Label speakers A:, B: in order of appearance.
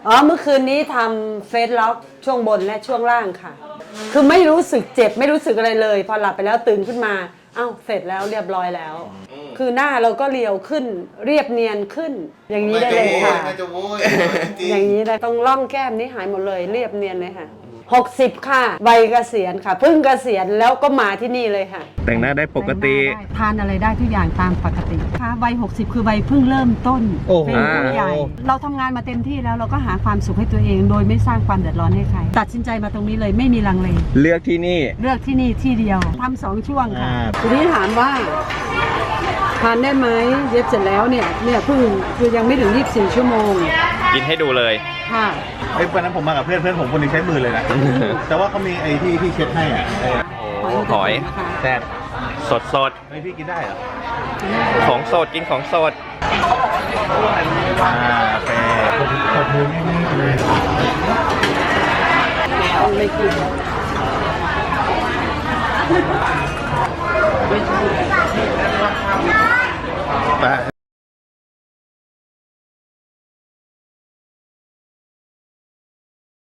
A: อ๋อเมื่อคืนนี้ทำเฟสล็อกช่วงบนและช่วงล่างค่ะ คือไม่รู้สึกเจ็บไม่รู้สึกอะไรเลย พอหลับไปแล้วตื่นขึ้นมาอ้าวเสร็จแล้วเรียบร้อยแล้ว คือหน้าเราก็เรียวขึ้นเรียบเนียนขึ้น อย่างนี้ได้เลยค่ะ
B: น่าจะโว้ยจริง
A: อย่างนี้เลยตรงร่องแก้มนี้หายหมดเลยเรียบเนียนเลยค่ะ60ค่ะวัยเกษียณค่ะเพิ่งเกษียณแล้วก็มาที่นี่เลยค่ะ
C: แต่งหน้าได้ปกติ
A: ทานอะไรได้ทุกอย่างตามปกติค่ะวัย60คือวัยเพิ่งเริ่มต้น
C: โอ้โห
A: เป็นผู้ใหญ่ เราทำงานมาเต็มที่แล้วเราก็หาความสุขให้ตัวเอง โดยไม่สร้างความเดือดร้อนให้ใครตัดสินใจมาตรงนี้เลยไม่มีลังเล
C: เลือกที่นี่
A: เลือกที่นี่ที่เดียวทำ2 ช่วงค่ะ ทีนี้ถามว่าทานได้ไหมเย็บเสร็จแล้วเนี่ยเพิ่งคือยังไม่ถึง24 ชั่วโมง
C: กินให้ดูเลย
A: ค่ะ
D: ไอ้วันนั้นผมมากับเพื่อนผมคนหนึงใช้มือเลยนะ แต่ว่าเขามีไอ้ที่เช็ดให้อ่ะ
C: โอ้หอย
D: แต่
C: สดสด
D: ไอ้พี่กินได้เหรอ
C: ของสดกินของสด
D: โอเคขอบคุณมากเลย
A: ไม่กิน
D: ไป